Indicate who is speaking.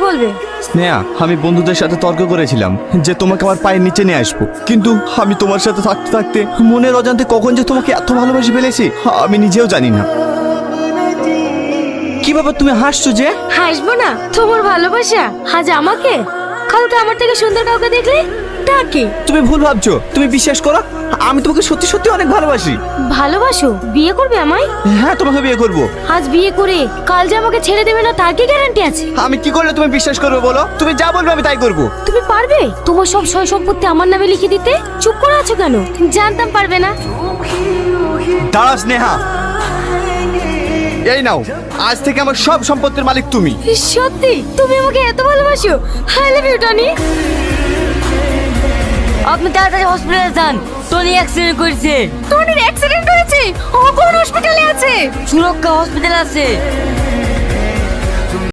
Speaker 1: বলবে?
Speaker 2: স্নেহা, আমি বন্ধুদের সাথে তর্ক করেছিলাম যে তোমাকে আমার পায়ের নিচে নিয়ে আসবো, কিন্তু আমি তোমার সাথে থাকতে থাকতে মনের অজান্তে কখন যে তোমাকে এত ভালোবাসি ফেলেছি আমি নিজেও জানি না।
Speaker 3: কি ব্যাপার, তুমি হাসছো যে?
Speaker 1: হাসবো না? তোমার ভালোবাসা আজ আমাকে, কালকে আমার থেকে সুন্দর কাউকে দেখলে তাকে।
Speaker 3: তুমি ভুল ভাবছো, তুমি বিশ্বাস করো, আমি তোমাকে সত্যি সত্যি অনেক ভালোবাসি।
Speaker 1: ভালোবাসো? বিয়ে করবে আমায়?
Speaker 3: হ্যাঁ, তোমাকে বিয়ে করব।
Speaker 1: আজ বিয়ে করে কাল যে আমাকে ছেড়ে দেবে না তার কি গ্যারান্টি আছে?
Speaker 3: আমি কি করলে তুমি বিশ্বাস করবে বলো? তুমি যা বলবে আমি তাই করব।
Speaker 1: তুমি পারবে তোমার সব সয় সম্পত্তি আমার নামে লিখে দিতে? চুপ করে আছো কেন? জানতাম পারবে না।
Speaker 2: দাঁড়া স্নেহা, এই নাও, আজ থেকে আমার সব সম্পত্তির মালিক তুমি।
Speaker 1: সত্যি তুমি আমাকে এত ভালোবাসো? I love you Tony.
Speaker 4: আপনি তাড়াতাড়ি হসপিটালে যান, টনি অ্যাক্সিডেন্ট করেছে।
Speaker 1: টনির অ্যাক্সিডেন্ট হয়েছে? ও কোন হসপিটালে আছে?
Speaker 4: সুরক্ষা হসপিটাল আছে।